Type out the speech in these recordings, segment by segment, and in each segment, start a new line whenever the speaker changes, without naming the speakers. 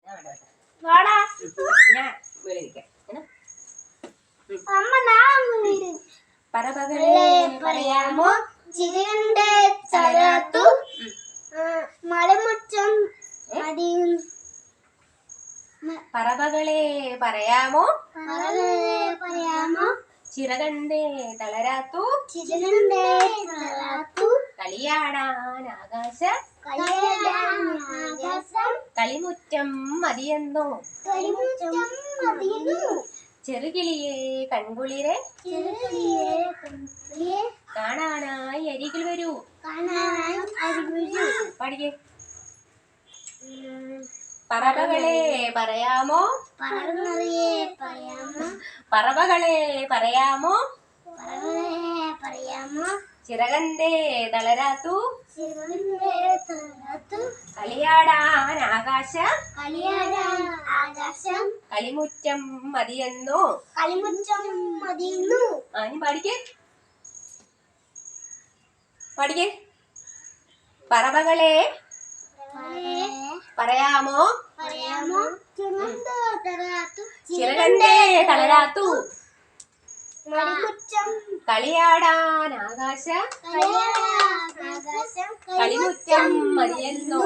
പറവകളെ പറയാമോ ചിരികണ്ടേ തളരാത്തു മലമുറ്റം മതിയും. പറവകളെ പറയാമോ ചിറകണ്ടേ തളരാത്തു കളിയാടാൻ ആകാശം കളിമുറ്റം മതിയെന്നോ ചെറുകിളിയെ കൺകുളിരെ കാണാനായി അരികിൽ വരൂ. പഠിക്കേ. പറവകളെ പറയാമോ പറവകളെ പറയാമോ ചിറകണ്ടേ തളരാത്തു കളിയാടാൻ ആകാശം കളിമുറ്റം മതിയെന്നോ. ഇനി പഠിക്കേ. പറവകളെ പറയാമോ ചിറകണ്ടേ തളരാത്തു കളിയാടാൻ ആകാശം കളിമുറ്റം മതിയെന്നോ.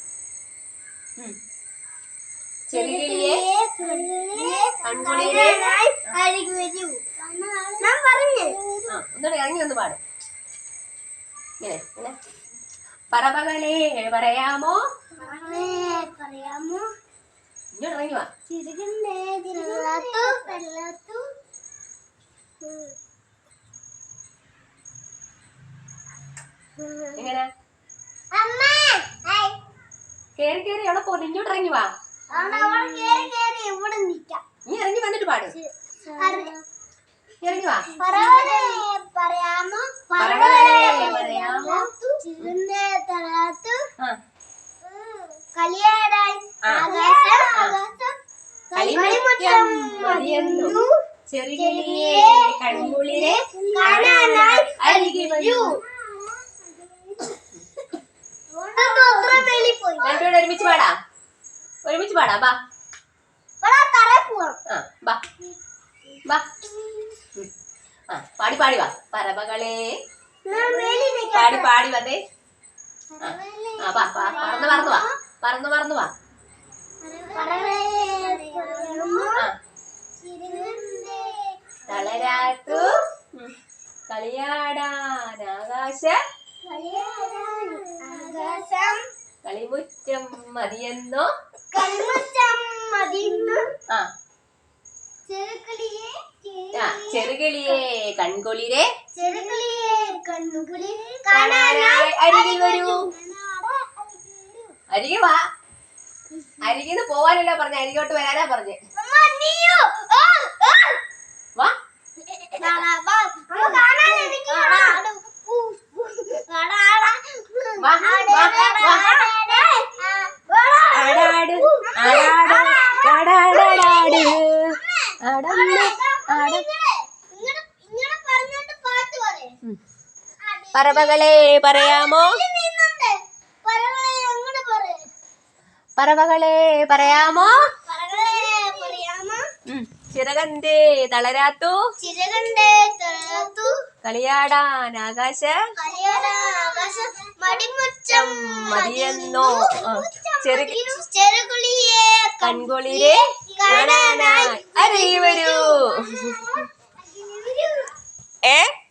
ചെറുകിളിയെ കൺകുളിരെ ഒന്നുകൂടെ ഇറങ്ങി ഒന്ന് പാടും. ഇങ്ങനെ പറവകളെ പറയാമോ ഇങ്ങോട്ട് ഇറങ്ങി വാ. എങ്ങനെ കേറി കേറി എവിടെ പോകുന്നു? ഇങ്ങോട്ട് ഇറങ്ങി വാ. നീ ഇറങ്ങി വന്നിട്ട് പാട്. ഇറങ്ങി വാ. പറവകളെ പറയാമോ കളിമുറ്റം മതിയെന്നു ചെറുകിളിയെ കൺകുളിരെ കാണാനായി അരികിൽ വരൂ. രണ്ടുപേരും ഒരുമിച്ച് പാടാ. പാടി വാ. പറവകളെ പാടി വന്നേ. പറന്നു വാ. തളരാത്തു കളിയാടാൻ ആകാശം കളിമുറ്റം മതിയെന്നോ. ചെറുകിളിയെ കൺകുളിരെ കാണാനായി അരികിൽ വരൂ. അരികെ വാ. അരികിന്ന് പോവാനല്ല പറഞ്ഞ, അരികോട്ട് വരാനാ പറഞ്ഞേ. വാ. പറവകളെ പറയാമോ ചിറകണ്ടേ തളരാത്തു കളിയാടാൻ ആകാശം മതിയെന്നോ. ചെറുകിളിയെ കൺകുളിരെ കാണാനായി അരികിൽ വരൂ.